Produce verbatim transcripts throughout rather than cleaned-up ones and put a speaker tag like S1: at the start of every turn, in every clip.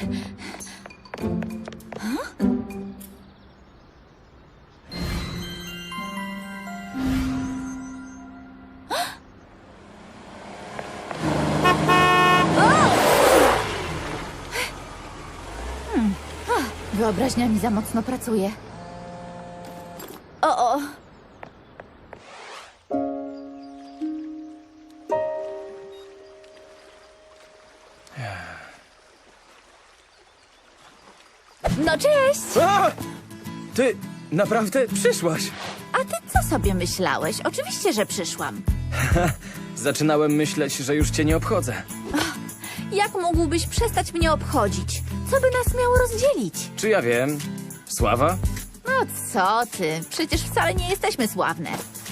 S1: Hmm. Wyobraźnia mi za mocno pracuje. O, o. No cześć!
S2: A! Ty naprawdę przyszłaś?
S1: A ty co sobie myślałeś? Oczywiście, że przyszłam.
S2: Zaczynałem myśleć, że już cię nie obchodzę.
S1: Jak mógłbyś przestać mnie obchodzić? Co by nas miało rozdzielić?
S2: Czy ja wiem? Sława?
S1: No co ty? Przecież wcale nie jesteśmy sławne.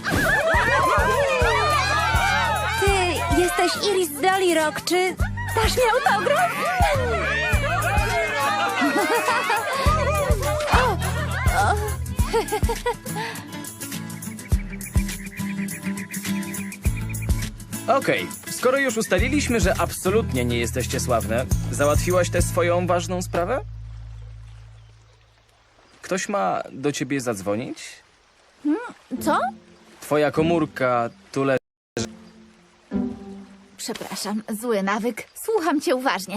S3: Ty jesteś Iris z Dolly Rock, czy dasz mi autograf?
S2: Okej, skoro już ustaliliśmy, że absolutnie nie jesteście sławne, załatwiłaś tę swoją ważną sprawę? Ktoś ma do ciebie zadzwonić?
S1: Co?
S2: Twoja komórka tu leży.
S1: Przepraszam, zły nawyk. Słucham cię uważnie.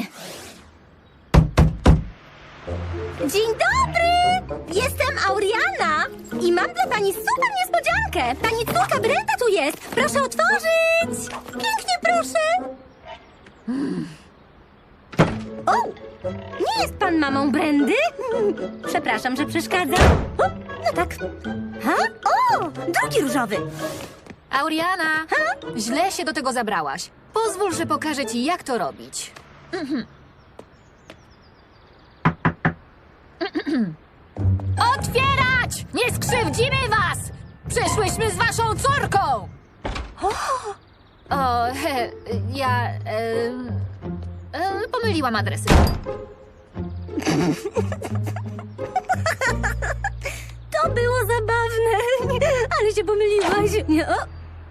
S3: Dzień dobry! Jestem Auriana i mam dla pani super niespodziankę. Pani córka Brenda tu jest. Proszę otworzyć. Pięknie, proszę. O! Nie jest pan mamą Brendy? Przepraszam, że przeszkadzam. O, no tak. Ha? O! Drugi różowy.
S4: Auriana, źle się do tego zabrałaś. Pozwól, że pokażę ci, jak to robić. Otwierać! Nie skrzywdzimy was! Przyszłyśmy z waszą córką! O, he, ja... E, e, pomyliłam adresy.
S3: To było zabawne. Ale się pomyliłaś. Nie, o.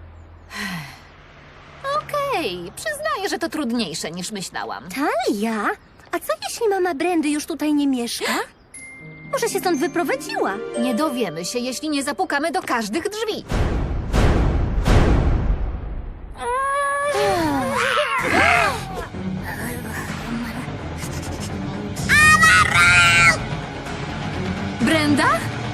S4: Okej, przyznaję, że to trudniejsze niż myślałam.
S3: Talia? A co jeśli mama Brendy już tutaj nie mieszka? Może się stąd wyprowadziła?
S4: Nie dowiemy się, jeśli nie zapukamy do każdych drzwi. Brenda?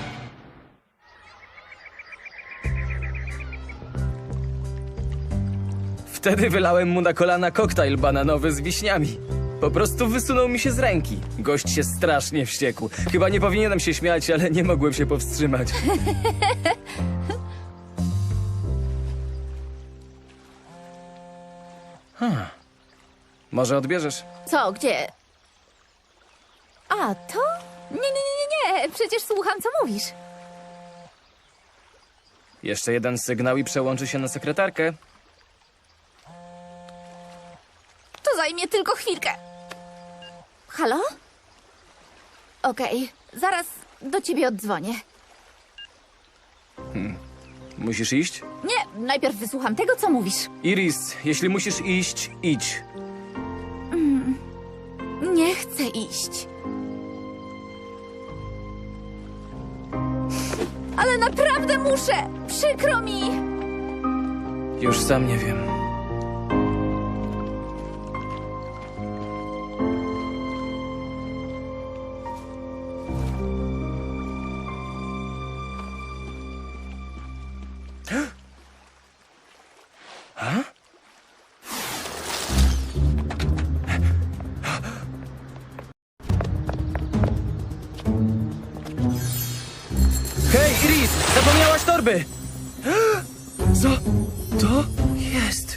S2: Wtedy wylałem mu na kolana koktajl bananowy z wiśniami. Po prostu wysunął mi się z ręki. Gość się strasznie wściekł. Chyba nie powinienem się śmiać, ale nie mogłem się powstrzymać. Hmm. Może odbierzesz?
S1: Co, gdzie? A, to? Nie, nie, nie, nie, nie. Przecież słucham, co mówisz.
S2: Jeszcze jeden sygnał i przełączy się na sekretarkę.
S1: To zajmie tylko chwilkę. Halo? Okej, zaraz do ciebie oddzwonię.
S2: Musisz iść?
S1: Nie, najpierw wysłucham tego, co mówisz.
S2: Iris, jeśli musisz iść, idź.
S1: Nie chcę iść. Ale naprawdę muszę! Przykro mi!
S2: Już sam nie wiem. Ha? Hej, Iris! Zapomniałaś torby! Co to jest?